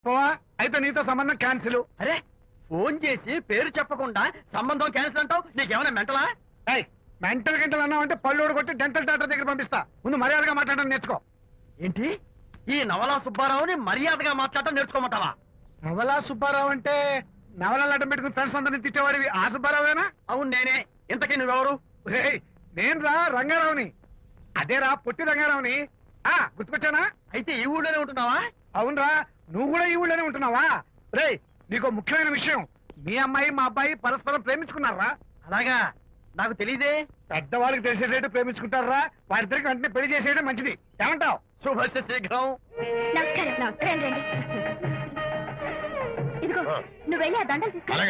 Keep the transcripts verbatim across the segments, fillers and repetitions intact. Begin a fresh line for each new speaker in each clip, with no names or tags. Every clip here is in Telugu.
పోవా అయితే నీతో సంబంధం క్యాన్సిల్.
అరే ఫోన్ చేసి పేరు చెప్పకుండా సంబంధం క్యాన్సిల్ అంటావు, నీకేమైనా మెంటలా?
మెంటల్ గంటలు అన్నావు అంటే పళ్ళు కొట్టి డెంటల్ డాక్టర్ దగ్గర పంపిస్తా. ముందు మర్యాదగా మాట్లాడడం నేర్చుకో.
ఏంటి ఈ నవలా సుబ్బారావుని మర్యాదగా మాట్లాడటం నేర్చుకోమంటావా?
నవలా సుబ్బారావు అంటే నవలాలు అడ్డం పెట్టుకుని ఫ్రెండ్స్ అందరిని తిట్టేవాడివి ఆ సుబ్బారావేనా?
అవును నేనే. ఇంతకీ నువ్వెవరు?
నేను రా రంగారావుని. అదేరా పొట్టి రంగారావుని. ఆ గుర్తుకొచ్చానా?
అయితే ఈ ఊళ్ళోనే ఉంటున్నావా?
అవునరా, నువ్వు కూడా ఈ ఊళ్ళోనే ఉంటున్నావా? రే నీకు ముఖ్యమైన విషయం, మీ అమ్మాయి మా అబ్బాయి పరస్పరం ప్రేమించుకున్నారా?
అలాగా, నాకు తెలీదే.
పెద్దవాళ్ళకి తెలిసేటట్టు ప్రేమించుకుంటారా? వారిద్దరికి వెంటనే పెళ్లి చేసేయడం మంచిది. ఏమంటావు?
శుభస్య శీఘ్రం.
నమస్కారం. నమస్కారం రండి. ఇదిగో నువ్వు వెళ్ళి ఆ దండలు తీసుకురా.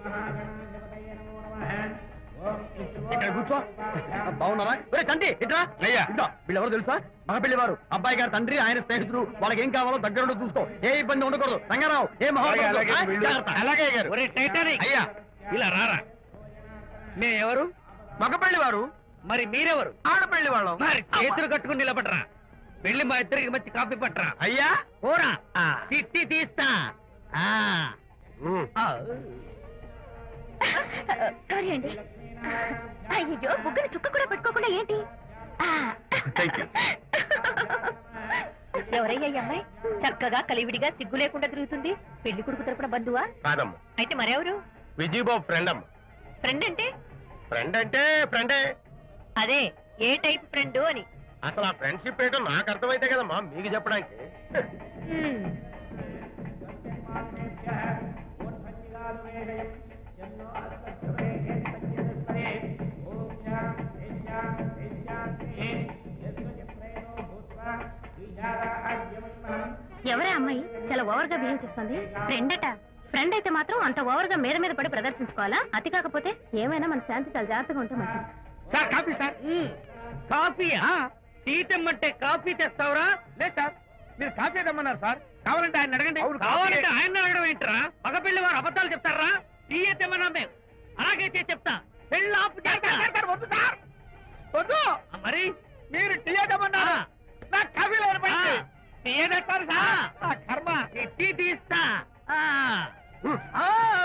ఇక్కడ కూర్చో. బాగున్నారా? ఒరే చంటి ఇట్రా.
అయ్యా.
ఇట్లా వీళ్ళెవరు తెలుసా? మగ పెళ్లి వారు, అబ్బాయి గారి తండ్రి, ఆయన స్నేహితుడు. వాళ్ళకి ఏం కావాలో దగ్గర చూసుకో, ఏ ఇబ్బంది ఉండకూడదు. రంగారావు ఏ
అలాగే గారు.
అయ్యా ఇలా రారా. మే ఎవరు? మగ పెళ్లి వారు. మరి మీరెవరు? ఆడపెళ్లి వాళ్ళం. మరి చేతులు కట్టుకుని నిలబడరా. వెళ్ళి మా ఇద్దరికి మంచి కాఫీ పట్టరా. అయ్యా ఓరా తిట్టి తీస్తా.
సారీ అండి. అయ్యో బుగ్గన చుక్క కూడా పెట్టుకోకుండా ఏంటి? ఎవరయ్యా ఈ అమ్మాయి? చక్కగా కలివిడిగా సిగ్గు లేకుండా తిరుగుతుంది. పెళ్లి కొడుకు తరపున బంధువా?
కాదమ్మా,
అయితే మరెవరు?
విజయబాబు ఫ్రెండ్ అమ్మ.
ఫ్రెండ్ అంటే?
ఫ్రెండ్ అంటే ఫ్రెండే.
అదే ఏ టైప్ ఫ్రెండ్ అని.
అసలు ఆ ఫ్రెండ్షిప్ ఏంటో నాకు అర్థమైతే కదమ్మా మీకు చెప్పడానికి.
హ్మ్. ఎవరే అమ్మాయి చాలా ఓవర్ గా బిహేవ్ చేస్తుంది? ఫ్రెండ్ అట. ఫ్రెండ్ అయితే మాత్రం అంత ఓవర్ గా మీద మీద పడి ప్రదర్శించుకోవాలా? అతి కాకపోతే ఏమైనా మన శాంతి చాలా జాగ్రత్తగా ఉంటే మంచిది.
Sir coffee sir.
కాఫీయా? టీ తెమ్మంటే కాఫీ తెస్తావురా?
లేదు సార్, మీరు కాఫీ తెమ్మన్నారు సార్. కావాలంటే ఆయన అడగండి.
కావాలంటే ఆయన అడగడం ఏంట్రా? మగ పెళ్లి వారు అబద్ధాలు చెప్తారా? టీ తెమ్మన్నా మేము అలాగే చేసి చెప్తా. పెళ్ళి ఆపు చేస్తా.
వద్దు సార్, వద్దు.
మరి
మీరు టీ తెమ్మన్నారు, నాకు కాఫీ లేదు.
టీ తెస్తారు సార్.
ఆ కర్మ.
టీ తీస్తా. ఆ. ఆ.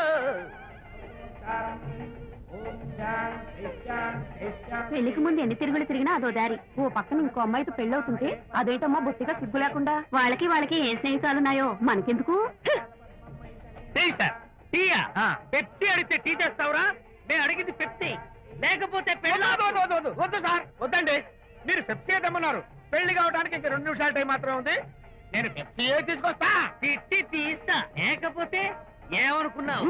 పెళ్లికి ముందు ఎన్ని తిరుగులు తిరిగినా అదో దారి. ఓ పక్కన ఇంకో అమ్మాయితో పెళ్ళవుతుంటే అదేటమ్మా బొత్తిగా సిగ్గు లేకుండా. వాళ్ళకి వాళ్ళకి ఏ స్నేహితాలున్నాయో మనకెందుకు?
Tea sir. టీయా? పెప్సీ అడిగితే టీ చేస్తావురా? మేము అడిగింది పెప్సీ, లేకపోతే పెళ్ళి.
వద్దు సార్, వద్దండి. మీరు పెప్సీ తెమ్మన్నారు. పెళ్లి కావడానికి ఇంక రెండు నిమిషాల టైం మాత్రమే ఉంది. నేను పెప్సీ తీసుకొస్తా.
తిట్టి తీస్తా, లేకపోతే ఏమనుకున్నావు?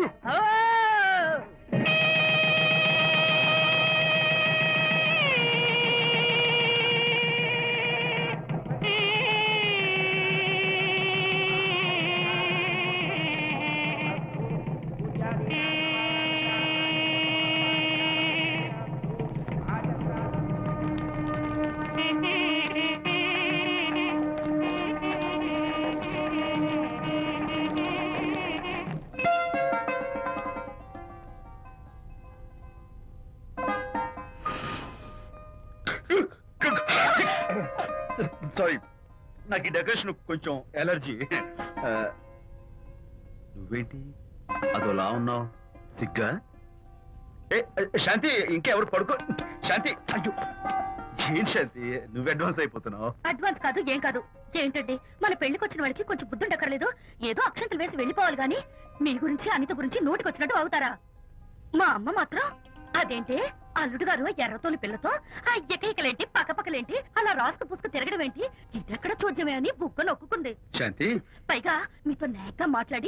సారీ, నాకు ఈ డెకరేషన్ కొంచెం ఎలర్జీ. నువ్వేంటి అదోలా ఉన్నావు? సిగ్గా? ఏ శాంతి, ఇంకెవరు పడుకో. శాంతి, అయ్యో ఏం శాంతి నువ్వు అడ్వాన్స్ అయిపోతున్నావు?
అడ్వాన్స్ కాదు ఏం కాదు. ఏంటండి మన పెళ్లికి వచ్చిన వాళ్ళకి కొంచెం బుద్ధుండక్కర్లేదు? ఏదో అక్షంతలు వేసి వెళ్ళిపోవాలి గాని మీ గురించి అనిత గురించి నోటికి వచ్చినట్టు అవుతారా? మా అమ్మ మాత్రం అదేంటి అల్లుడు గారు ఎర్రతోని పిల్లతో ఆ ఎకైకలేంటి పక్కపక్కలేంటి అలా రాసుకు పుసుకు తిరగడం ఏంటి? ఇదెక్కడ చూద్యమే అని బుక్క నొక్కుంది.
శాంతి
పైగా మీతో నేగ్గా మాట్లాడి